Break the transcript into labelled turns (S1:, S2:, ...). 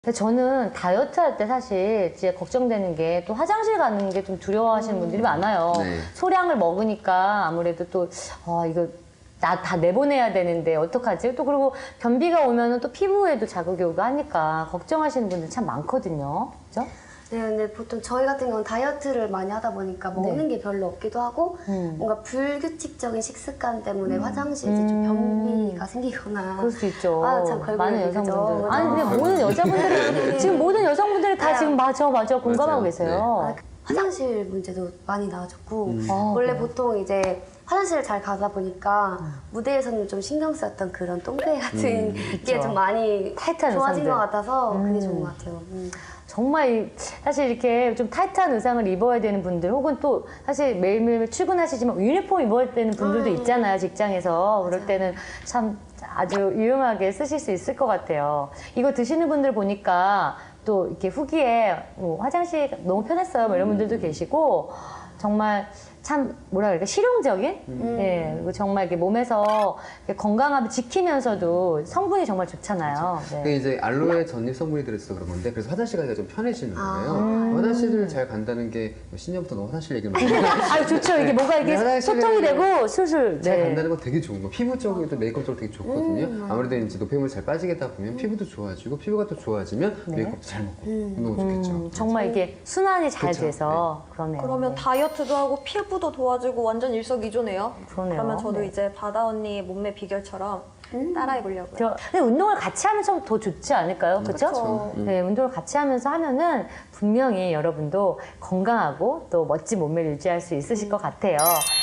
S1: 저는 다이어트 할 때 사실 이제 걱정되는 게 또 화장실 가는 게 좀 두려워하시는 분들이 많아요.
S2: 네.
S1: 소량을 먹으니까 아무래도 또 이거 나 다 내보내야 되는데 어떡하지? 또 그리고 변비가 오면은 또 피부에도 자극이 오고 하니까 걱정하시는 분들 참 많거든요. 그죠?
S3: 네, 근데 보통 저희 같은 경우는 다이어트를 많이 하다 보니까 먹는 게 별로 없기도 하고 뭔가 불규칙적인 식습관 때문에 화장실 이제 좀 변비가 생기거나
S1: 그럴 수 있죠.
S3: 참
S1: 많은
S3: 걸그룹이죠.
S1: 여성분들. 아니 근데 모든 여자분들이 지금 모든 여성분들이 다 지금 맞아 공감하고
S2: 맞아요.
S1: 계세요.
S3: 화장실 문제도 많이 나아졌고
S1: 아,
S3: 원래
S1: 그래요?
S3: 보통 이제 화장실을 잘 가다 보니까 무대에서는 좀 신경 쓰였던 그런 똥배 같은 게 좀 많이
S1: 타이트한
S3: 좋아진
S1: 의상들.
S3: 것 같아서 그게 좋은 것 같아요.
S1: 정말 사실 이렇게 좀 타이트한 의상을 입어야 되는 분들 혹은 또 사실 매일매일 출근하시지만 유니폼 입어야 되는 분들도 있잖아요, 직장에서. 그럴 때는 참 아주 유용하게 쓰실 수 있을 것 같아요. 이거 드시는 분들 보니까 또 이렇게 후기에 뭐 화장실 너무 편했어요 뭐 이런 분들도 계시고 정말 참 뭐라 그럴까 실용적인 예, 그리고 정말 이렇게 몸에서 이렇게 건강함을 지키면서도 성분이 정말 좋잖아요. 네.
S2: 그게 이제 알로에 전립 성분이 들어있어서 그런 건데 그래서 화장실 가기가 좀 편해지는 거예요. 화장실을 잘 간다는 게 신년부터 너무 화장실 얘기를 많이 해요.
S1: 아 좋죠. 이게 뭐가 이게
S2: 화장실을
S1: 소통이 되고 슬슬
S2: 잘 간다는 건 되게 좋은 거. 피부 쪽에도 메이크업 쪽으로 되게 좋거든요. 아무래도 이제 노폐물이 잘 빠지겠다 보면 피부도 좋아지고 피부가 또 좋아지면 메이크업도 잘 먹고 너무 좋겠죠.
S1: 정말 이게 순환이 잘
S2: 그쵸.
S1: 돼서 그러네요.
S4: 그러면 다이어트도 하고 피부도 좋아지고 완전 일석이조네요.
S1: 그러네요.
S4: 그러면 저도
S1: 네.
S4: 이제 바다 언니 몸매 비결처럼 따라해 보려고요.
S1: 근데 운동을 같이 하면 더 좋지 않을까요? 그렇죠?
S4: 그쵸.
S1: 네, 운동을 같이 하면서 하면은 분명히 여러분도 건강하고 또 멋진 몸매를 유지할 수 있으실 것 같아요.